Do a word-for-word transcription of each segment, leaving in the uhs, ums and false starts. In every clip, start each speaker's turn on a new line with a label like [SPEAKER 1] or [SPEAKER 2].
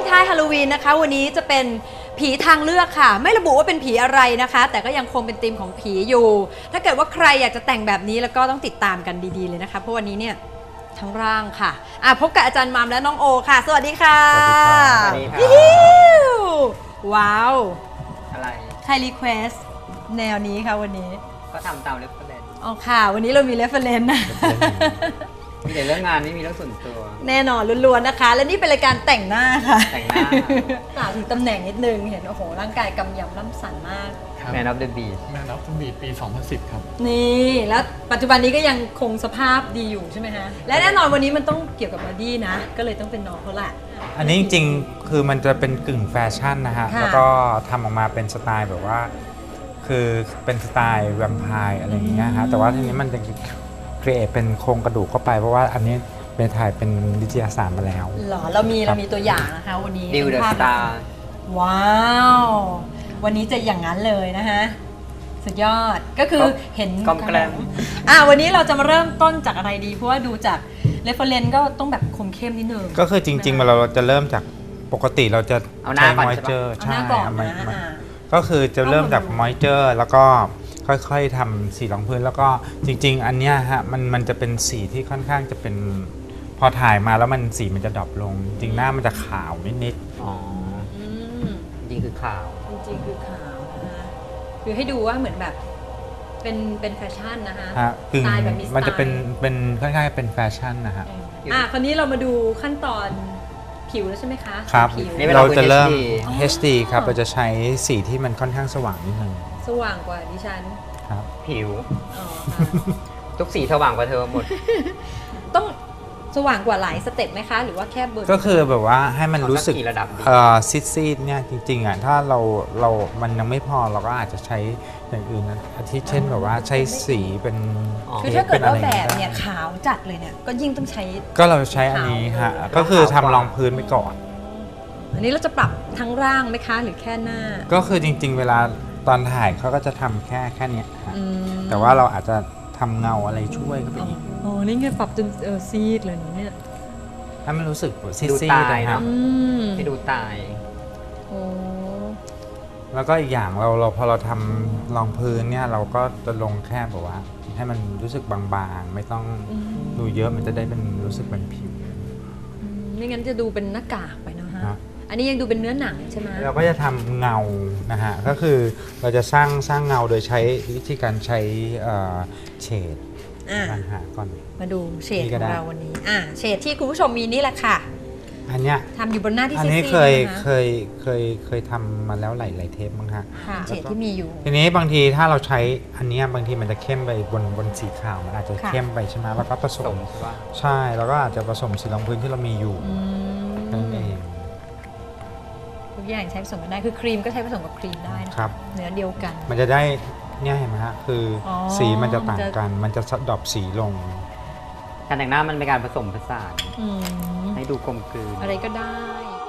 [SPEAKER 1] ท้ายฮาโลวีนนะคะวันนี้จะเป็นผีทางเลือกค่ะไม่ระบุว่าเป็นผีอะไรนะคะแต่ก็ยังคงเป็นธีมของผีอยู่ ถ้าเกิดว่าใครอยากจะแต่งแบบนี้แล้วก็ต้องติดตามกันดีๆเลยนะคะเพราะวันนี้เนี่ยทั้งร่างค่ะอ่ะพบกับอาจารย์มามและน้องโอค่ะสวัสดีค่ะ
[SPEAKER 2] สวัสดีครับ
[SPEAKER 1] ว้าว
[SPEAKER 2] อะไร
[SPEAKER 1] ใครรีเควสแนวนี้ค่ะวันนี้
[SPEAKER 2] ก็ทำตามเรฟเฟอเรนซ์
[SPEAKER 1] อ๋อค่ะวันนี้เรามีเรฟเฟอเรนซ์นะ
[SPEAKER 2] มีแต่เรื่องงานไม่มีเรื่องส่วนตัว
[SPEAKER 1] แน่นอนล้วนๆนะคะและนี่เป็นรายการแต่งหน้าค่ะ
[SPEAKER 2] แต่งหน้าก
[SPEAKER 1] ล่าวถึงตำแหน่งนิดนึงเห็นโอ้โหร่างกายกำยำล่ำสันมาก
[SPEAKER 2] แมนออฟเดอะบีช
[SPEAKER 3] แมนออฟเดอะบีชปีสองพันสิบครับ
[SPEAKER 1] นี่แล้วปัจจุบันนี้ก็ยังคงสภาพดีอยู่ใช่ไหมฮะและแน่นอนวันนี้มันต้องเกี่ยวกับบอดี้นะก็เลยต้องเป็นน้องเขาแหละ
[SPEAKER 4] อันนี้จริงๆคือมันจะเป็นกึ่งแฟชั่นนะฮะแล้วก็ทำออกมาเป็นสไตล์แบบว่าคือเป็นสไตล์แวมไพร์อะไรอย่างเงี้ยฮะแต่ว่าทีนี้มันจะครีเอทเป็นโครงกระดูกเข้าไปเพราะว่าอันนี้เป็นถ่ายเป็นวิทยาศาสตร์มาแล้ว
[SPEAKER 1] หรอเรามีเรามีตัวอย่างนะคะวันนี้
[SPEAKER 2] ดิวเดอะสตาร์
[SPEAKER 1] ว้าววันนี้จะอย่างนั้นเลยนะฮะสุดยอดก็คือเห็น
[SPEAKER 2] กลมแกล้ม
[SPEAKER 1] อ่ะวันนี้เราจะมาเริ่มต้นจากอะไรดีเพราะว่าดูจากเรฟเฟอเรนซ์ก็ต้องแบบคมเข้มนิดนึง
[SPEAKER 4] ก็คือจริงๆเราจะเริ่มจากปกติเราจะใช้มอยเจอร์
[SPEAKER 1] ใช่
[SPEAKER 4] ก็คือจะเริ่มจากมอยเจอร์แล้วก็ค่อยๆทำสีรองพื้นแล้วก็จริงๆอันเนี้ยฮะมันมันจะเป็นสีที่ค่อนข้างจะเป็นพอถ่ายมาแล้วมันสีมันจะดรอปลงจริงหน้ามันจะขาวนิด
[SPEAKER 2] ๆอ๋อจริงคือขาว
[SPEAKER 1] จริงคือขาวนะคะคือให้ดูว่าเหมือนแบบเป็นเป็นแฟชั่นนะคะ
[SPEAKER 4] ฮะคือมันจะเป็นเป็นค่อนข้างเป็นแฟชั่นนะฮะ
[SPEAKER 1] อ่ะคราวนี้เรามาดูขั้นตอนผิวแล้วใช่ไหมคะ
[SPEAKER 4] ครับเราจะเริ่ม เอช ดี ครับเราจะใช้สีที่มันค่อนข้างสว่างนิดนึง
[SPEAKER 1] สว่างกว่าดิฉัน
[SPEAKER 4] ครับ
[SPEAKER 2] ผิวทุกสีสว่างกว่าเธอหมด
[SPEAKER 1] ต้องสว่างกว่าหลายสเต็ปไหมคะหรือว่าแค่เบอร์
[SPEAKER 4] ก็คือแบบว่าให้มันรู้สึกซิดซีดเนี่ยจริงๆอ่ะถ้าเราเรามันยังไม่พอเราก็อาจจะใช้อย่างอื่นนะอาทิเช่นแบบว่าใช้สีเป็น
[SPEAKER 1] คือถ้าเกิดว่าแบบเนี่ยขาวจัดเลยเนี่ยก็ยิ่งต้องใช้
[SPEAKER 4] ก็เราใช้อันนี้ฮะก็คือทำรองพื้นไปก่อน
[SPEAKER 1] อันนี้เราจะปรับทั้งร่างไหมคะหรือแค่หน้า
[SPEAKER 4] ก็คือจริงๆเวลาตอนถ่ายเขาก็จะทำแค่แค่นี้แต่ว่าเราอาจจะทำเงาอะไรช่วยเข้าไปอีก
[SPEAKER 1] อ๋อนี่ไงปรับจนเออซีดเลยเนี่ย
[SPEAKER 4] ถ้ามันรู้สึกซีดซีด
[SPEAKER 2] นะครับให้ดูตาย
[SPEAKER 1] โอ้
[SPEAKER 4] แล้วก็อีกอย่างเราเราพอเราทำรองพื้นเนี่ยเราก็จะลงแค่แบบว่าให้มันรู้สึกบางๆไม่ต้องดูเยอะมันจะได้เป็นรู้สึกเป็นผิว
[SPEAKER 1] ไม่งั้นจะดูเป็นหน้ากากไปนะฮะอันนี้ยังดูเป็นเนื้อหนังใช่ไหม
[SPEAKER 4] เราก็จะทำเงานะฮะก็คือเราจะสร้างสร้างเงาโดยใช้วิธีการใช้เฉดปัญหาก่อน
[SPEAKER 1] มาดูเฉดของเราวันนี้อ่าเฉดที่คุณผู้ชมมีนี่แหละค่ะ
[SPEAKER 4] อันเนี้ย
[SPEAKER 1] ทำอยู่บนหน้าที่
[SPEAKER 4] อันนี้เคยเคยเคยเคยทำมาแล้วหลายหลายเทปมั้งฮะ
[SPEAKER 1] เฉดที่มีอยู่
[SPEAKER 4] ทีนี้บางทีถ้าเราใช้อันนี้บางทีมันจะเข้มไปบนบนสีขาวมันอาจจะเข้มไปใช่ไหมแล้วก็ผสมใช่แล้วก็อาจจะผสมสีรองพื้นที่เรามีอยู่นั่นเอง
[SPEAKER 1] ทุกอย่างใช้ผสมกันได้คือครีมก็ใช้ผสมกับครีมได้นะครับเนื้อเดียวกัน
[SPEAKER 4] มันจะได้เนี่ยเห็นไหมฮะคือสีมันจะต่างกันมันจะดรอปสีลง
[SPEAKER 2] การแต่งหน้ามันเป็นการผสมผสานให้ดูกลมกลืน
[SPEAKER 1] อะไรก็ได้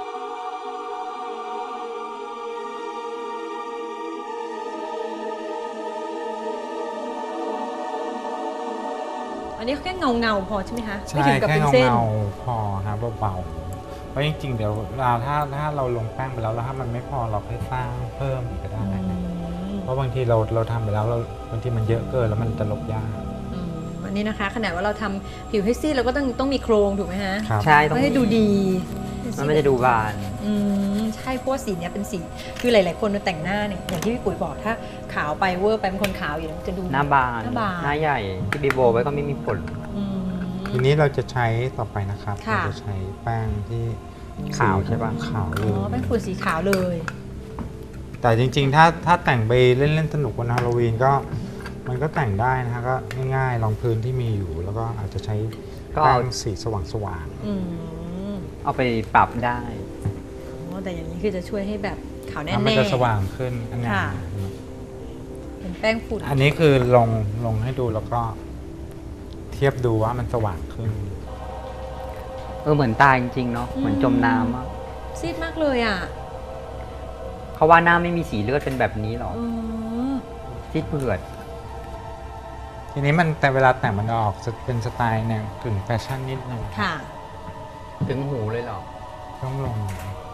[SPEAKER 1] อันนี้แค่เงาเงาพอใช่ไหมคะ
[SPEAKER 4] ใช่แค่เงาเงาพอฮะเบาๆเพราะจริงๆเดี๋ยวเราถ้าถ้าเราลงแป้งไปแล้วแล้วถ้ามันไม่พอเราค่อยสร้างเพิ่มอีกก็ได้เพราะบางทีเราเราทำไปแล้วเราบางทีมันเยอะเกินแล้วมันจะลบยาก
[SPEAKER 1] อันนี้นะคะขนาดว่าเราทำผิวให้ซีดเราก็ต้องต้องมีโครงถูกไหมฮะ
[SPEAKER 2] ใช่
[SPEAKER 1] ต้องให้ดูดี
[SPEAKER 2] มันไม่จะดูบาน
[SPEAKER 1] อืมใช่เพราะสีนี้เป็นสีคือหลายๆคนแต่งหน้าเนี่ยอย่างที่พี่ปุ๋ยบอกถ้าขาวไปเวอร์ไปเป็นคนขาวอยู่แล้วจะดู
[SPEAKER 2] หน้าบานหน้าใหญ่ที่บีโบไว้ก็ไม่มีผล
[SPEAKER 4] ทีนี้เราจะใช้ต่อไปนะครับเราจะใช้แป้งที่
[SPEAKER 2] ขาวใช่ป่ะ
[SPEAKER 4] ขาวเลย
[SPEAKER 1] อ๋อแป้งฝุ่นสีขาวเลย
[SPEAKER 4] แต่จริงๆถ้าถ้าแต่งไปเล่นๆสนุกวันฮาโลวีนก็มันก็แต่งได้นะฮะก็ง่ายๆรองพื้นที่มีอยู่แล้วก็อาจจะใช้แป้งสีสว่าง
[SPEAKER 2] ๆเอาไปปรับได้
[SPEAKER 1] แต่อย่างนี้คือจะช่วยให้แบบขาวแน่
[SPEAKER 4] ๆมันจะสว่างขึ้นอันนี้
[SPEAKER 1] เป็นแป้งฝุ่น
[SPEAKER 4] อันนี้คือลงลงให้ดูแล้วก็เทียบดูว่ามันสว่างขึ้น
[SPEAKER 2] เออเหมือนตายจริงๆเนาะเหมือนจมน้ำอ่ะ
[SPEAKER 1] ซีดมากเลยอ่ะ
[SPEAKER 2] เขาว่าหน้าไม่มีสีเลือดเป็นแบบนี้หรอซีดเผือด
[SPEAKER 4] ทีนี้มันแต่เวลาแต่งมันออกจะเป็นสไตล์แนวกึ่งแฟชั่นนิดนึง
[SPEAKER 1] ค่ะ
[SPEAKER 2] ถึงหูเลยหรอ
[SPEAKER 4] ต้องลง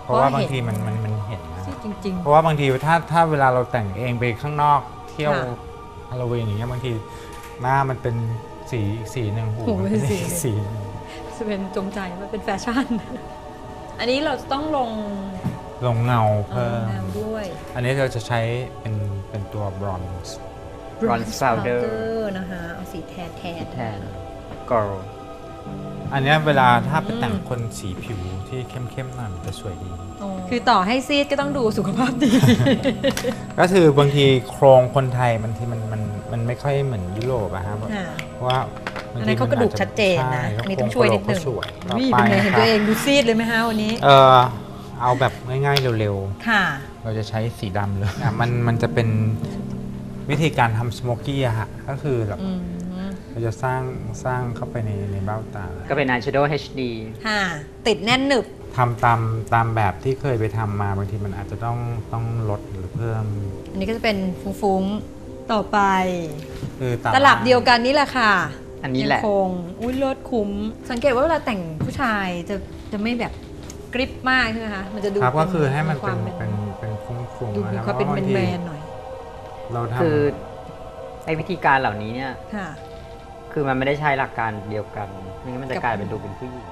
[SPEAKER 4] เพราะว่าบางทีมันมันมันเห็นนะ
[SPEAKER 1] ซีดจริง
[SPEAKER 4] เพราะว่าบางทีถ้าถ้าเวลาเราแต่งเองไปข้างนอกเที่ยว
[SPEAKER 1] ค่ะ
[SPEAKER 4] ฮาโลวีนอย่างเงี้ยบางทีหน้ามันเป็นสีอีกสีหนึ่งหู
[SPEAKER 1] หู
[SPEAKER 4] มัน
[SPEAKER 1] เป็
[SPEAKER 4] เป็น น
[SPEAKER 1] สี
[SPEAKER 4] อีกสีหนึ่ง
[SPEAKER 1] ๆจะเป็นจงใจว่าเป็นแฟชั่น อันนี้เราจะต้องลง
[SPEAKER 4] ลงเงา
[SPEAKER 1] เอ่อ
[SPEAKER 4] เพิ่ม
[SPEAKER 1] แนวด้วย
[SPEAKER 4] อันนี้เราจะใช้เป็นเป็นตัวบรอนซ์
[SPEAKER 2] Bronze powder
[SPEAKER 1] นะคะเอาสีแทนแทน
[SPEAKER 2] แทนกอร์
[SPEAKER 4] อันเนี้ยเวลาถ้าไปแต่งคนสีผิวที่เข้มๆหน่อยมันจะสวยดี
[SPEAKER 1] คือต่อให้ซีดก็ต้องดูสุขภาพดี
[SPEAKER 4] ก็คือบางทีโครงคนไทยบางทีมันมันมันไม่ค่อยเหมือนยุโรปอะครับ
[SPEAKER 1] ค่ะ
[SPEAKER 4] เพราะว่าบง
[SPEAKER 1] อัน
[SPEAKER 4] ที
[SPEAKER 1] นั้นเขากระดูกชัดเจนนะ
[SPEAKER 4] ใช่
[SPEAKER 1] อันนี้ต้องช่วยนิดนึง
[SPEAKER 4] โครงกระโหลกเขาสวยต่อ
[SPEAKER 1] วิ่
[SPEAKER 4] ไป
[SPEAKER 1] เป็นไงเห็น
[SPEAKER 4] นะค
[SPEAKER 1] ตั
[SPEAKER 4] รับ
[SPEAKER 1] วเองดูซีดเลยไหมคะวันนี้
[SPEAKER 4] เออเอาแบบง่ายๆเร็ว
[SPEAKER 1] ค่ะ
[SPEAKER 4] ๆ เราจะใช้สีดำเลยอ่ะมันมันจะเป็นวิธีการทำสโมกี้อะฮะก็คือแบบ
[SPEAKER 1] อืม
[SPEAKER 4] เราจะสร้างสร้างเข้าไปในในเบ้าตา
[SPEAKER 2] ก็เป็น Eyeshadow เอช ดี
[SPEAKER 1] ค่ะ ติดแน่นหนึบ
[SPEAKER 4] ทำตามตามแบบที่เคยไปทำมาบางทีมันอาจจะต้องต้องลดหรือเพิ่ม
[SPEAKER 1] อันนี้ก็จะเป็นฟุ้งๆ ต่อไป
[SPEAKER 4] คือตาม
[SPEAKER 1] ตลับเดียวกันนี่แหละค่ะ
[SPEAKER 2] อันนี้แหละ
[SPEAKER 1] ยังคงอุ้ยเลิศคุ้ม สังเกตว่าเวลาแต่งผู้ชายจะจะไม่แบบกริปมากใช่ไหมคะ มันจะดู
[SPEAKER 4] ครับก็คือให้มัน
[SPEAKER 1] ควา
[SPEAKER 4] เป็น
[SPEAKER 1] ม
[SPEAKER 4] เป็นเป็นฟุ้ง
[SPEAKER 1] ดู
[SPEAKER 4] ๆ
[SPEAKER 1] มี
[SPEAKER 4] นะค
[SPEAKER 1] ค
[SPEAKER 4] รั
[SPEAKER 1] วามเป็น
[SPEAKER 4] พระบงที
[SPEAKER 1] แมนๆหน่อย
[SPEAKER 4] เราท
[SPEAKER 2] คือไอ้วิธีการเหล่านี้เนี่ย
[SPEAKER 1] ค่ะ
[SPEAKER 2] คือมันไม่ได้ใช้หลักการเดียวกันไม่งั้นมันจะ
[SPEAKER 1] กับ
[SPEAKER 2] กลายเป็นดูเป็นผู้หญิง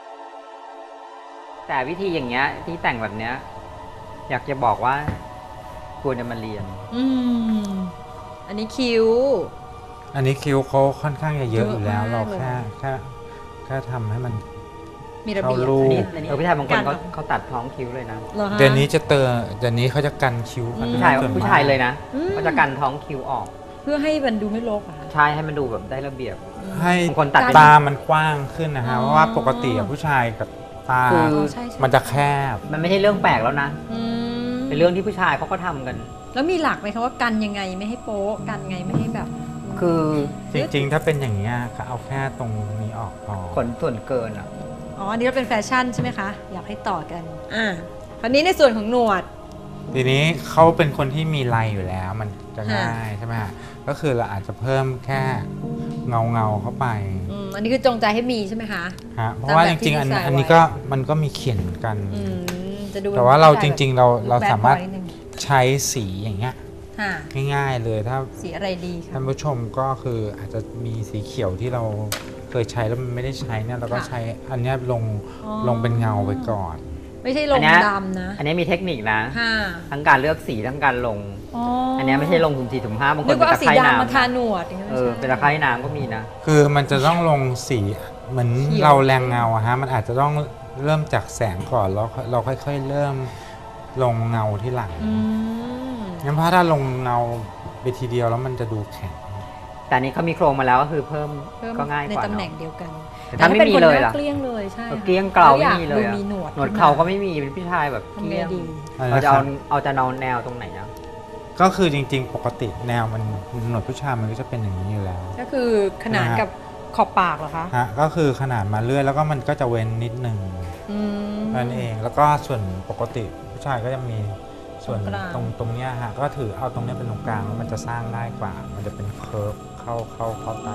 [SPEAKER 2] แต่วิธีอย่างเงี้ยที่แต่งแบบเนี้ยอยากจะบอกว่าควรจะมาเรียน
[SPEAKER 1] อืม อันนี้คิ้ว
[SPEAKER 4] ำอันนี้คิ้วเขาค่อนข้างจะเยอะอยู่แล้ว
[SPEAKER 1] เยอะมาก
[SPEAKER 4] เรา
[SPEAKER 1] เลย
[SPEAKER 4] แค่แค่แค่ทำให้มัน
[SPEAKER 1] มีระเบียบ
[SPEAKER 4] เข้ารู
[SPEAKER 2] อัน
[SPEAKER 4] ป
[SPEAKER 2] นี้เออผู้ชายบางคน
[SPEAKER 1] การ
[SPEAKER 2] เขา
[SPEAKER 1] เอา
[SPEAKER 2] เขาตัดท้องคิ้วเลยนะ
[SPEAKER 1] เหรอคะ
[SPEAKER 4] เดี๋ยวนี้จะเตอเดี๋ยวนี้เขาจะกันคิ้วกัน
[SPEAKER 1] อืม
[SPEAKER 2] ผู้ชาย
[SPEAKER 4] ส่วนมก
[SPEAKER 2] ผู้ชายเลยนะ
[SPEAKER 1] อืม
[SPEAKER 2] เขาจะกันท้องคิ้วออก
[SPEAKER 1] เพื่อให้มันดูไม่รกอะค่ะ
[SPEAKER 2] ใช่ให้มันดูแบบได้ระเบียบ
[SPEAKER 4] ให้
[SPEAKER 2] บางคนตัดเป็น
[SPEAKER 4] ตามันกว้างขึ้นนะฮะ
[SPEAKER 1] อ๋อ
[SPEAKER 4] เพราะว่าปกติอะผู้ชายกับตา
[SPEAKER 2] คือ
[SPEAKER 1] อ๋อใช่ใช่
[SPEAKER 4] มันจะแคบ
[SPEAKER 2] มันไม่ใช่เรื่องแปลกแล้วนะ
[SPEAKER 1] อืม
[SPEAKER 2] เป็นเรื่องที่ผู้ชายเขาก็ทำกัน
[SPEAKER 1] แล้วมีหลักไหมคะว่ากันยังไงไม่ให้โป๊ะกันไงไม่ให้แบบ
[SPEAKER 2] คือ
[SPEAKER 4] จริงๆ ถ้าเป็นอย่างนี้ยก็เอาแค่ตรงนี้ออกพอ
[SPEAKER 2] ขนส่วนเกินอ่ะ
[SPEAKER 1] อ๋อ อันนี้เราเป็นแฟชั่นใช่ไหมคะ อยากให้ต่อกัน อ่าคราวนี้ในส่วนของหนวด
[SPEAKER 4] ทีนี้เขาเป็นคนที่มีลายอยู่แล้ว มันจะ
[SPEAKER 1] ค่ะ
[SPEAKER 4] ง่ายใช่ไหมฮะก็คือเราอาจจะเพิ่มแค่เงาเงาๆเข้าไป
[SPEAKER 1] อืม อันนี้คือจงใจให้มีใช่ไหมคะ
[SPEAKER 4] ฮะเพราะว่า
[SPEAKER 1] ตามแบ
[SPEAKER 4] จ
[SPEAKER 1] บที่
[SPEAKER 4] ริงๆอัน
[SPEAKER 1] ดีไซน์
[SPEAKER 4] อันนี้
[SPEAKER 1] ไว้
[SPEAKER 4] ก็มันก็มีเขียนเหมือนกัน
[SPEAKER 1] อืม จะดู
[SPEAKER 4] แต่ว่าเรา
[SPEAKER 1] ผู้
[SPEAKER 4] จ
[SPEAKER 1] ชยแบบ
[SPEAKER 4] ริง ๆ เราเรา
[SPEAKER 1] แบด
[SPEAKER 4] สามารถ
[SPEAKER 1] บอยนิดนึง
[SPEAKER 4] ใช้สีอย่างเงี้ย
[SPEAKER 1] ค่ะ
[SPEAKER 4] ง่ายๆเลยถ้า
[SPEAKER 1] สีอะไรดีคะ
[SPEAKER 4] ท่านผู้ชมก็คืออาจจะมีสีเขียวที่เราเคยใช้แล้วมันไม่ได้ใช้เนี่ยเราก็
[SPEAKER 1] ค่ะ
[SPEAKER 4] ใช้อันเนี้ยลง
[SPEAKER 1] อ๋อ
[SPEAKER 4] ลงเป็นเงาไปก่อน
[SPEAKER 1] ไม่ใช่ล
[SPEAKER 2] อั
[SPEAKER 1] ง
[SPEAKER 2] นเนี้ย
[SPEAKER 1] ดำนะ
[SPEAKER 2] อันนี้มีเทคนิคนะ
[SPEAKER 1] ค่ะ
[SPEAKER 2] ทั้งการเลือกสีทั้งการลง
[SPEAKER 1] อ๋อ
[SPEAKER 2] อั
[SPEAKER 1] อั
[SPEAKER 2] นเนี้ยไม่ใช่ลงสุ่มสี่สุ่มห้าบางค
[SPEAKER 1] นึ
[SPEAKER 2] น
[SPEAKER 1] ก
[SPEAKER 2] เป็น
[SPEAKER 1] ว่าเอา
[SPEAKER 2] ตะ
[SPEAKER 1] สี
[SPEAKER 2] ไคร่
[SPEAKER 1] ดำมาทา
[SPEAKER 2] น้ำ
[SPEAKER 1] หนวดอย่างงี้ย
[SPEAKER 2] เอ
[SPEAKER 1] ไม่
[SPEAKER 2] อ
[SPEAKER 1] ใช่
[SPEAKER 2] เป็นตะไคร่น้ำก็มีนะ
[SPEAKER 4] คือมันจะต้องลงสีเหมือน
[SPEAKER 1] เขียว
[SPEAKER 4] เราแรงเงาอะฮะมันอาจจะต้องเริ่มจากแสงก่อนแล้วเราค่อยๆเริ่มลงเงาที่หลัง
[SPEAKER 1] อืม
[SPEAKER 4] งั้นเพราะถ้าลงเงาไปทีเดียวแล้วมันจะดูแข็ง
[SPEAKER 2] แต่อันนี้เขามีโครงมาแล้วก็คือเพิ่ม
[SPEAKER 1] เพิ่ม
[SPEAKER 2] ก็ง่าย
[SPEAKER 1] ใน
[SPEAKER 2] กว่า
[SPEAKER 1] ตำแหน่ง
[SPEAKER 2] เนาะ
[SPEAKER 1] เดียวกัน
[SPEAKER 2] แต่ถ้าไม่มีเลยล่ะ
[SPEAKER 1] เกลี้ยงเลยใช่
[SPEAKER 2] เออเกลี้ยงเกลา
[SPEAKER 1] แวอ
[SPEAKER 2] ไม่มีเลย
[SPEAKER 1] ดู
[SPEAKER 2] อะ
[SPEAKER 1] มีหนวด
[SPEAKER 2] หนวดเขาก็ไม่มีเป็นผู้ชายแบบ
[SPEAKER 1] ทำ
[SPEAKER 2] เก
[SPEAKER 1] ไง
[SPEAKER 2] ลี้ยง
[SPEAKER 1] ดี
[SPEAKER 2] เราจะเอาเอาจะนอนแนวตรงไหนอะ
[SPEAKER 4] ก็คือจริงๆ ปกติแนวมันหนวดผู้ชายมันก็จะเป็นอย่างนี้อยู่แล้ว
[SPEAKER 1] ก็คือขนาน
[SPEAKER 4] นะฮะ
[SPEAKER 1] กับขอบปากเหรอคะ
[SPEAKER 4] ฮะก็คือขนาดมาเรื่อยแล้วก็มันก็จะเว้นนิดหนึ่ง
[SPEAKER 1] อืม
[SPEAKER 4] นั่นเองแล้วก็ส่วนปกติผู้ชายก็จะมีส่วน
[SPEAKER 1] ตรงกลาง
[SPEAKER 4] ตรงตรงเนี้ยฮะก็ถือเอาตรงเนี้ยเป็นตรงกลางแล้วมันจะสร้างง่ายกว่า มันจะเป็นเคิร์ฟเข้าเข้าเข้าใต้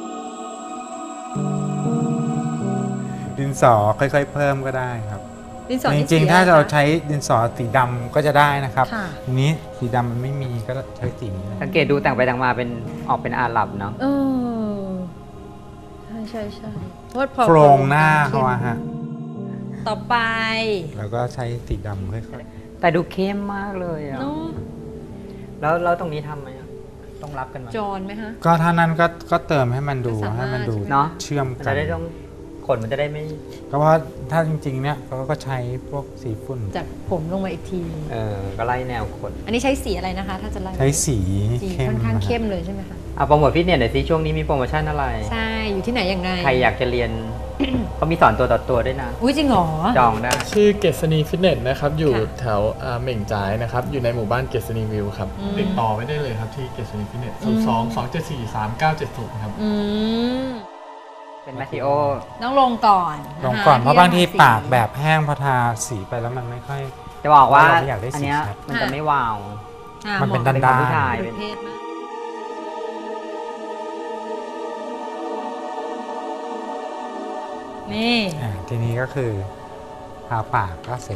[SPEAKER 4] ดินสอค่อยๆเพิ่มก็ได้ครับ
[SPEAKER 1] ดินสอ
[SPEAKER 4] จ
[SPEAKER 1] นี่
[SPEAKER 4] ริง
[SPEAKER 1] สี
[SPEAKER 4] ๆ ถ้า
[SPEAKER 1] อะไร
[SPEAKER 4] เรา
[SPEAKER 1] คะ
[SPEAKER 4] ใช้ดินสอสีดำก็จะได้นะครับ
[SPEAKER 1] ค่ะ
[SPEAKER 4] ทีนี้สีดำมันไม่มีก็ใช้สีนี้เลย
[SPEAKER 2] สังเกตดูแต่งไปแต่งมาเป็นออกเป็นอาหรับเนาะ
[SPEAKER 1] เออใช่ใช่ใช่เพราะว่าพอ
[SPEAKER 4] โครงหน้าเขาอะฮะ
[SPEAKER 1] ต่อไป
[SPEAKER 4] แล้วก็ใช้สีดำค่อย
[SPEAKER 2] แต่ดูเข้มมากเลยอะ
[SPEAKER 1] เนาะ
[SPEAKER 2] แล้วแล้วตรงนี้ทำไหมอะต้องรับกันไหม
[SPEAKER 1] จอนไหมคะ
[SPEAKER 4] ๆก็ถ้านั้นก็ก็เติมให้มันดู
[SPEAKER 1] ก็สามารถ
[SPEAKER 4] ให้มันดู
[SPEAKER 2] เนาะ
[SPEAKER 4] เชื่อม
[SPEAKER 2] มัน
[SPEAKER 4] กั
[SPEAKER 2] จะ
[SPEAKER 4] น
[SPEAKER 2] ได้ต้องขนมันจะได้ไม่
[SPEAKER 4] ก็เพราะถ้าจริงๆเนี่ยเขาก็ใช้พวกสีฝุ่น
[SPEAKER 1] จากผมลงมาอีกที
[SPEAKER 2] เออก็ไล่แนวขน
[SPEAKER 1] อันนี้ใช้สีอะไรนะคะ ถ้าจะไล่
[SPEAKER 4] ใช้สี
[SPEAKER 1] สี
[SPEAKER 4] เข้ม
[SPEAKER 1] ค่อนข้าง
[SPEAKER 4] นะฮะ
[SPEAKER 1] เข้มเลยใช่ไหมคะ
[SPEAKER 2] เอาโปรโมทฟิตเนสหน่อยสิช่วงนี้มีโปรโมชั่นอะไร
[SPEAKER 1] ใช่ อยู่ที่ไหนอย่างไร
[SPEAKER 2] ใครอยากจะเรียน เขามีสอนตัวต่อตัวด้วยนะ
[SPEAKER 1] อุ้ยจริงเหรอ
[SPEAKER 2] จองได้
[SPEAKER 3] ชื่อเกษณีฟิตเนสนะครับ อยู่
[SPEAKER 1] ค่ะ
[SPEAKER 3] แถวอ่าเหม่งจ่ายนะครับ อยู่ในหมู่บ้านเกษณีวิวครับ
[SPEAKER 1] อืม
[SPEAKER 3] ติดต่อไม่ได้เลยครับที่เกษณีฟิตเนส
[SPEAKER 1] อื
[SPEAKER 3] ศู
[SPEAKER 1] ม
[SPEAKER 3] นย์สอง สองเจ็ดสี่ สามเก้าเจ็ดศูนย์ครับ
[SPEAKER 1] อืม
[SPEAKER 2] เป็นแมทธิโอ
[SPEAKER 1] ต้องลงก่อน
[SPEAKER 4] ลงก่อน
[SPEAKER 1] ค
[SPEAKER 4] เพราะบางที
[SPEAKER 1] สี
[SPEAKER 4] ปากแบบแห้งพอทาสีไปแล้วมันไม่ค่อย
[SPEAKER 2] จะบอกว่า
[SPEAKER 4] เราไม่อยากได้สี
[SPEAKER 2] อันเนี้ย
[SPEAKER 4] ชัด
[SPEAKER 2] มันจะไม่วาว
[SPEAKER 1] อ่า
[SPEAKER 4] มันเป็น
[SPEAKER 1] หะ
[SPEAKER 4] ด้านๆ
[SPEAKER 2] เป็นของผู้ชาย
[SPEAKER 1] ประเภทมากนี่
[SPEAKER 4] อ่าทีนี้ก็คือทาปากก็เสร็จ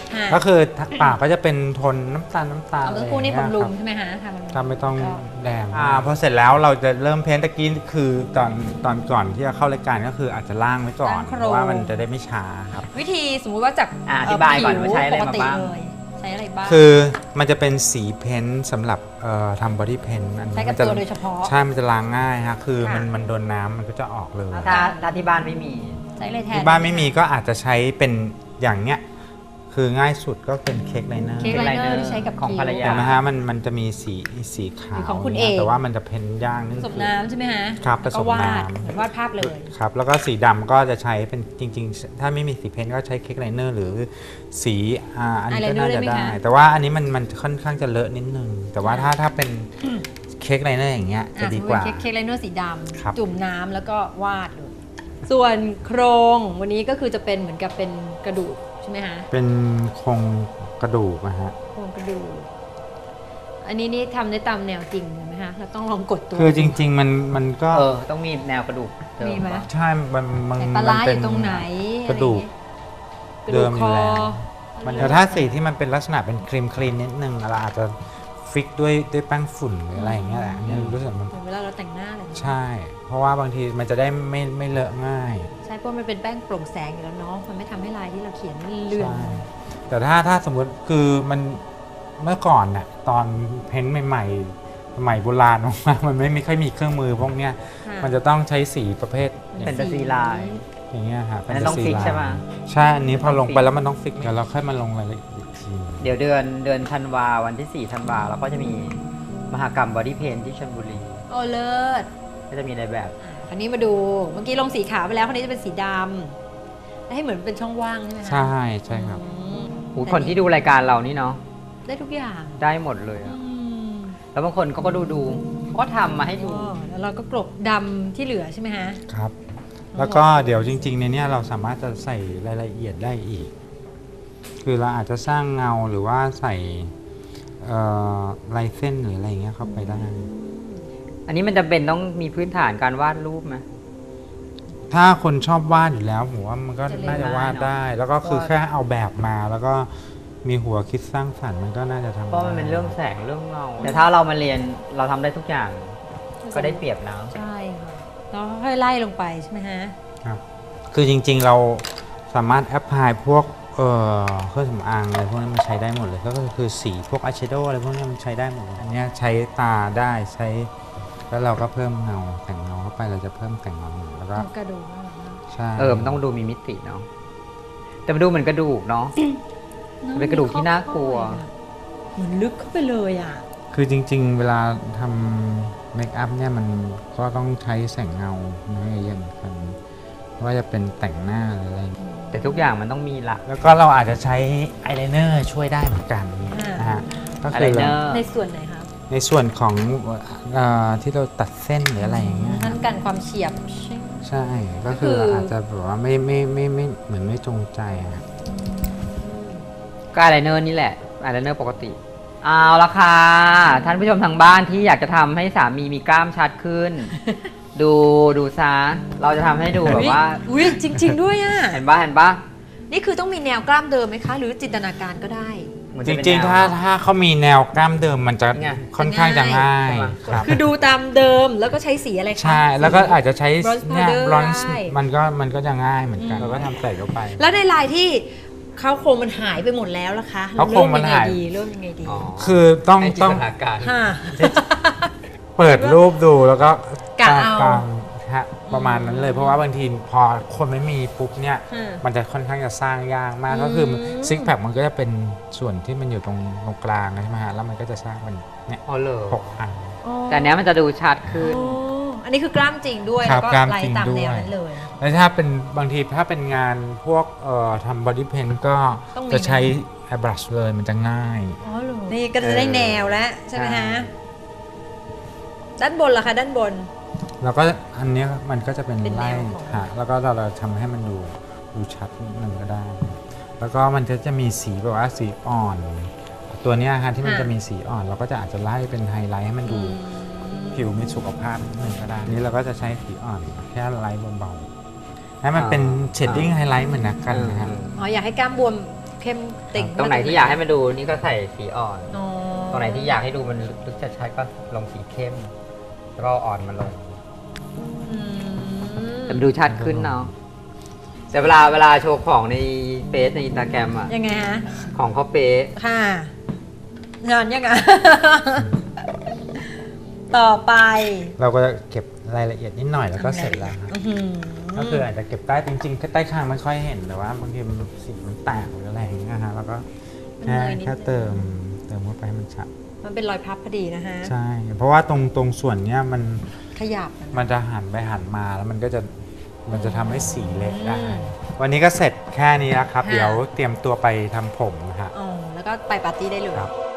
[SPEAKER 1] ค่ะ
[SPEAKER 4] ก็คือปากก็จะเป็นโทนน้ำตาลน้ำตาล
[SPEAKER 1] เอา
[SPEAKER 4] อะไร
[SPEAKER 1] เมื่
[SPEAKER 4] อ
[SPEAKER 1] อย่าง กู้
[SPEAKER 4] เงี้
[SPEAKER 1] นี่
[SPEAKER 4] ย
[SPEAKER 1] บำรุ
[SPEAKER 4] ค
[SPEAKER 1] ง
[SPEAKER 4] รับ
[SPEAKER 1] ใช่ไหมคะทำบำรุง
[SPEAKER 4] ถ้าไม่ต้อง
[SPEAKER 1] ก็
[SPEAKER 4] แดงอ่าพอเสร็จแล้วเราจะเริ่มเพ้นตะกี้คือตอนตอนก่อนที่จะเข้ารายการก็คืออาจจะล่างไว้ก่อน
[SPEAKER 1] ล้างโครง
[SPEAKER 4] เพราะว่ามันจะได้ไม่ช้าครับ
[SPEAKER 1] วิธีสมมุติว่าจาก
[SPEAKER 2] อ่ะอธิบายก่อน
[SPEAKER 1] ผิ
[SPEAKER 2] ว่าใช้อะไร
[SPEAKER 1] ปก
[SPEAKER 2] มา
[SPEAKER 1] ติ
[SPEAKER 2] บ้าง
[SPEAKER 1] เลยใช้อะไรบ้าง
[SPEAKER 4] คือมันจะเป็นสีเพ้นท์สำหรับเอ่อทำบอดี้เพนท์อัน
[SPEAKER 1] ใช้
[SPEAKER 4] นี้
[SPEAKER 1] กับ
[SPEAKER 4] มันจะ
[SPEAKER 1] ตัวโดยเฉพาะ
[SPEAKER 4] ใช่มันจะล้างง่ายฮะคือ
[SPEAKER 1] ค่ะ
[SPEAKER 4] มันมันโดนน้ำมันก็จะออกเลย
[SPEAKER 2] ถ้าถ้าที่บ้านไม่มี
[SPEAKER 1] ใช้เลยแทน
[SPEAKER 4] ที่บ้านไม่มีก็อาจจะใช้เป็นอย่างเนี้ยคือง่ายสุดก็เป็นเค้กไลเนอร์
[SPEAKER 1] เค้กไลเนอร์ที่ใช้กับ
[SPEAKER 2] ของ
[SPEAKER 1] คิ้ว
[SPEAKER 2] ภรรยา
[SPEAKER 4] เห็นไหมฮะมันมันจะมีสีสีขาว
[SPEAKER 1] ของคุณ
[SPEAKER 4] นี่ย
[SPEAKER 1] เอก
[SPEAKER 4] แต่ว่ามันจะเพ้นท์ย่างนี่
[SPEAKER 1] ผสม
[SPEAKER 4] คือ
[SPEAKER 1] น้ำใช่ไหมฮะ
[SPEAKER 4] ครับ
[SPEAKER 1] แล้วก็
[SPEAKER 4] ผสม
[SPEAKER 1] วาด
[SPEAKER 4] น้ำ
[SPEAKER 1] เหมือนวาดภาพเลย
[SPEAKER 4] ครับแล้วก็สีดำก็จะใช้เป็นจริง ๆ ถ้าไม่มีสีเพ้นท์ก็ใช้เค้กไลเนอร์หรือสีอ่าอันนี้ก็น่าจะได้ แต่ว่าอันนี้มันมันค่อนข้างจะเลอะนิดนึง แต่ว่าถ้าถ้าเป็นเค้กไลเนอร์อย่างเงี้ยจะ
[SPEAKER 1] อ่ะ
[SPEAKER 4] ดี
[SPEAKER 1] สมมุ
[SPEAKER 4] ก
[SPEAKER 1] ติ
[SPEAKER 4] ว่า
[SPEAKER 1] เค้กเค้กไลเนอร์สีด
[SPEAKER 4] ครับ
[SPEAKER 1] ำจุ่มน้ำแล้วก็วาดเลยส่วนโครงวันนี้ก็คือจะเป็นเหมือนกับเป็นกระดูกใช่ไหมฮะ
[SPEAKER 4] เป็นโครงกระดูกนะฮะ
[SPEAKER 1] โครงกระดูกอันนี้นี่ทำได้ตามแนวจริงไหมคะเราต้องลองกดตัว
[SPEAKER 4] คือจริง ๆ มันมันก็
[SPEAKER 2] เออ ต้องมีแนวกระดูกเดิ
[SPEAKER 1] มีไหม
[SPEAKER 2] ปะ
[SPEAKER 4] ใช่มันมัน
[SPEAKER 1] ไหนปลาร้า
[SPEAKER 4] มัน
[SPEAKER 1] อ
[SPEAKER 4] เป็น
[SPEAKER 1] ยู่ตรงไหน
[SPEAKER 4] กระดูก
[SPEAKER 1] อะไรอย่างเงี้ยกระดูกคอ
[SPEAKER 4] เดิมอยู่แล้ว
[SPEAKER 1] มัน
[SPEAKER 4] แต่ถ้าสีที่มันเป็นลักษณะเป็นครีมคลีนนิดนึงเราอาจจะฟิกด้วยด้วยแป้งฝุ่นหรืออะไรอย่างเงี้ยแหละอันนี้รู้สึกมัน
[SPEAKER 1] เหมือนเวลาเราแต่งหน้าเลยนะ
[SPEAKER 4] ใช่ เพราะว่าบางทีมันจะได้ไม่ไม่เลอะง่าย
[SPEAKER 1] ใช่เพราะมันเป็นแป้งโปร่งแสงอยู่แล้วเนาะมันไม่ทำให้ลายที่เราเขียนมันเลือน
[SPEAKER 4] ใช่แต่ถ้าถ้าสมมติคือมันเมื่อก่อนน่ะตอนเพ้นท์ใหม่ๆสมัยโบราณมากๆมันไม่ไม่ค่อยมีเครื่องมือพวกเนี้ย
[SPEAKER 1] ค่ะ
[SPEAKER 4] มันจะต้องใช้สีประเภท
[SPEAKER 2] เป็นตาซีลาย
[SPEAKER 4] อย่างเงี้ยครับ
[SPEAKER 2] อันนั้นต้องฟิกใช่ปะ
[SPEAKER 4] ใช่อันนี้พอลงไปแล้วมันต้องฟิกเดี๋ยวเราค่อยมาลงรายละเอียดอีกที
[SPEAKER 2] เดี๋ยวเดือนเดือนธันวาวันที่สี่ธันวาเราก็จะมีมหกรรมบอดี้เพนที่ชลบุรี
[SPEAKER 1] โอ้เลิศ
[SPEAKER 2] ก็จะมีในแบบ
[SPEAKER 1] อ่ะคราวนี้มาดูเมื่อกี้ลงสีขาวไปแล้วคราวนี้จะเป็นสีดำแล้วให้เหมือนเป็นช่องว่างใช่ไหมคะ
[SPEAKER 4] ใช่ใช่ครับ
[SPEAKER 1] อืม
[SPEAKER 2] หูคนที่ดูรายการเรานี่เนาะ
[SPEAKER 1] ได้ทุกอย่าง
[SPEAKER 2] ได้หมดเลย
[SPEAKER 1] อื
[SPEAKER 2] อะ
[SPEAKER 1] ม
[SPEAKER 2] แล้วบางคนเขาก็ดูดูเขาก็ทำมาให้ดู
[SPEAKER 1] อ๋อแล้วเราก็กลบดำที่เหลือใช่ไหมฮะ
[SPEAKER 4] ครับ แล้วก็เดี๋ยวจริงๆในเนี้ยเราสามารถจะใส่รายละเอียดได้อีก คือเราอาจจะสร้างเงาหรือว่าใส่เอ่อลายเส้นหรืออะไรอย่างเงี้ยเข้าไปได้
[SPEAKER 2] อันนี้มันจะเป็นต้องมีพื้นฐานการวาดรูปไหม
[SPEAKER 4] ถ้าคนชอบวาดอยู่แล้วผมว่ามันก็
[SPEAKER 1] จะเรียน
[SPEAKER 4] น่าจะวาด
[SPEAKER 2] ได้เนอะ
[SPEAKER 4] ได้ แล้วก็คือ
[SPEAKER 2] วาด
[SPEAKER 4] แค่เอาแบบมา แล้วก็มีหัวคิดสร้างสรรค์มันก็น่าจะทำ
[SPEAKER 2] เพราะมันเป็น
[SPEAKER 4] ได้
[SPEAKER 2] เรื่องแสงเรื่องเงาแต่ถ้าเรามาเรียนเราทำได้ทุกอย่างก็ได้เปรียบนะ
[SPEAKER 1] ใช่ค่ะแล้วค่อยไล่ลงไปใช่ไหมฮะ
[SPEAKER 4] ครับคือจริงๆเราสามารถแอพพลายพวกเอ่อเครื่องสำอางอะไรพวกนี้มันใช้ได้หมดเลยก็คือสีพวกอายแชโดว์อะไรพวกนี้มันใช้ได้หมดเลยอันเนี้ยใช้ตาได้ใช้แล้วเราก็เพิ่มเงาแต่งเงาเข้าไปเราจะเพิ่มแต่งเงาหนึ่งแล้วก็
[SPEAKER 1] กระดูกน่ารักมาก
[SPEAKER 4] ใช่
[SPEAKER 2] เออมันต้องดูมีมิติเนาะแต่มันดูเหมือนกระดูกเนาะ เป็นกระดูกที่น่ากลัว
[SPEAKER 1] เหมือนลึกเข้าไปเลยอ่ะ
[SPEAKER 4] คือจริงๆ เวลาทำเมคอัพเนี่ยมันก็ต้องใช้แสงเงาเยอะเหมือนกันไม่ว่าจะเป็นแต่งหน้าหรืออะไร
[SPEAKER 2] แต่ทุกอย่างมันต้องมีหลัก
[SPEAKER 4] แล้วก็เราอาจจะใช้อายไลเนอร์ช่วยได้เหมือนกันนะฮะก็
[SPEAKER 2] อะ
[SPEAKER 4] คื
[SPEAKER 2] ไร
[SPEAKER 4] อ
[SPEAKER 2] เน
[SPEAKER 4] เรา
[SPEAKER 2] อร์
[SPEAKER 1] ในส่วนไหนครับ
[SPEAKER 4] ในส่วนของเออที่เราตัดเส้นหรืออะไรอย่างเงี้ย
[SPEAKER 1] นั่นกันความเฉียบ
[SPEAKER 4] ใช่ก็คือ
[SPEAKER 1] ก็คืออ
[SPEAKER 4] อาจจะแบบว่าไม่ไม่ไม่ไม่เหมือนไม่จงใจอะ
[SPEAKER 2] ก็อายไลเนอร์นี่แหละอายไลเนอร์ปกติ เอาละค่ะท่านผู้ชมทางบ้านที่อยากจะทำให้สามีมีกล้ามชัดขึ้น ดูดูซะเราจะทำให้ดูแบบว่า
[SPEAKER 1] อุ้ยจริง ๆ ด้วยอ่ะ
[SPEAKER 2] เห็นปะเห็นปะ
[SPEAKER 1] นี่คือต้องมีแนวกล้ามเดิมไหมคะ หรือจินตนาการก็ได้
[SPEAKER 2] เหมือน
[SPEAKER 4] จ
[SPEAKER 2] จะเป็น
[SPEAKER 4] ริงๆ
[SPEAKER 2] แนว
[SPEAKER 4] ถ้าถ้าเขามีแนวกล้ามเดิมมันจะ
[SPEAKER 2] ไง
[SPEAKER 4] ค่อนข้างจะง่าย
[SPEAKER 2] ใช่ไหม
[SPEAKER 4] ครับ
[SPEAKER 1] คือดูตามเดิมแล้วก็ใช้สีอะไรคะ
[SPEAKER 4] ใช่แล้วก็อาจจะใช้
[SPEAKER 1] Bronze
[SPEAKER 4] เนี่ย
[SPEAKER 1] powder
[SPEAKER 4] บรอนซ์
[SPEAKER 1] ได้
[SPEAKER 4] มันก็มันก็จะง่ายเหมือนกัน
[SPEAKER 1] อืม
[SPEAKER 4] เราก็ทำใส่เข้าไป
[SPEAKER 1] แล้วในลายที่เขาโครงมันหายไปหมดแล้วล่ะคะ
[SPEAKER 4] เขาโครงมันหาย
[SPEAKER 1] เริ่ยังไงดีเริ่มยังไงดี
[SPEAKER 2] อ๋อ
[SPEAKER 4] คือต้อง
[SPEAKER 2] ให้จิ
[SPEAKER 4] ต้อง
[SPEAKER 2] นตนาการ
[SPEAKER 1] ค่ะ
[SPEAKER 4] เปิดรูปดูแล้วก็
[SPEAKER 1] กะเอา
[SPEAKER 4] กางฮะประมาณนั้นเลยเพราะว่าบางทีพอคนไม่มีปุ๊บเนี่ย
[SPEAKER 1] อืม
[SPEAKER 4] มันจะค่อนข้างจะสร้างยากมากก็คือซิกแพคมันก็จะเป็นส่วนที่มันอยู่ตรงตรงกลางใช่ไหมฮะแล้วมันก็จะสร้างเป็นเนี่ย
[SPEAKER 2] อ๋อเหรอ
[SPEAKER 4] หกอัน
[SPEAKER 2] แต่อันเนี้ยมันจะดูชัดขึ้น
[SPEAKER 1] อ๋ออันนี้คือกล้ามจริงด้วย
[SPEAKER 4] ครั
[SPEAKER 1] แล้
[SPEAKER 4] บ
[SPEAKER 1] วก็
[SPEAKER 4] กล้าม
[SPEAKER 1] ลาย
[SPEAKER 4] จริง
[SPEAKER 1] ตาม
[SPEAKER 4] ด้วย
[SPEAKER 1] แนวนั้นเลย
[SPEAKER 4] แล้วถ้าเป็นบางทีถ้าเป็นงานพวกเอ่อทำบอดี้เพนก็
[SPEAKER 1] ต้องมี
[SPEAKER 4] จะใช้แอร์บรัชเลยมันจะง่าย
[SPEAKER 1] อ๋อเหรอนี่ก็จะได้แนวแล้วใช่ไหมฮะ ด้านบนล่ะคะด้านบน
[SPEAKER 4] แล้วก็อันเนี้ยมันก็จะเป็น
[SPEAKER 1] เป็นแน
[SPEAKER 4] ไล่
[SPEAKER 1] วของ
[SPEAKER 4] ฮะแล้วก็เราเราทำให้มันดูดูชัดนิดนึงก็ได้ แล้วก็มันจะจะมีสีแบบว่าสีอ่อน ตัวเนี้ยฮะที่มันจะมีสีอ่อน เราก็จะอาจจะไล่เป็นไฮไลท์ให้มันดูผิวมีสุขภาพนิดนึงก็ได้นี่เราก็จะใช้สีอ่อนแค่ไลท์เบาๆให้มันเป็นเชดดิ้งไฮไลท์เหมือนนักกันนะฮะ
[SPEAKER 1] อ๋ออยากให้กล้ามบวมเข้มติ่ง
[SPEAKER 2] ตรงไหนที่อยากให้มันดูนี่ก็ใส่สีอ่อน
[SPEAKER 1] อ๋อ
[SPEAKER 2] ตรงไหนที่อยากให้ดูมันลึกชัดๆก็ลงสีเข้ม แล้วก็อ่อนมาลง
[SPEAKER 1] อืม
[SPEAKER 2] แต่มันดูชัดขึ้นเนาะแต่เวลาเวลาโชว์ของในเฟซในอินสตาแกรมอะ
[SPEAKER 1] ยังไงฮะ
[SPEAKER 2] ของเขาเป๊ะ
[SPEAKER 1] ค่ะงานยังไง ต่อไป
[SPEAKER 4] เราก็จะเก็บรายละเอียดนิดหน่อยแล้วก็เสร็จแล้วครับ
[SPEAKER 1] อื้อหือ
[SPEAKER 4] ก็คืออาจจะเก็บใต้จริงๆใต้คางไม่ค่อยเห็นแต่ว่าบางทีมันสีมันแตกหรืออะไรอย่างเงี้ยฮะแล้วก็แค่แค่เติมเติมเข้าไปให้มันชัด
[SPEAKER 1] มันเป็นรอยพับพอดีนะฮะ
[SPEAKER 4] ใช่ เพราะว่าตรงตรงส่วนเนี้ยมัน
[SPEAKER 1] ขยับ
[SPEAKER 4] มันจะหันไปหันมาแล้วมันก็จะมันจะทำให้สีเล็กได้
[SPEAKER 1] อืม
[SPEAKER 4] วันนี้ก็เสร็จแค่นี้แล้วครับ
[SPEAKER 1] ค่ะ
[SPEAKER 4] เดี๋ยวเตรียมตัวไปทำผมนะฮะ
[SPEAKER 1] อ๋อแล้วก็ไปปาร์ตี้ได้เลย
[SPEAKER 4] ครับ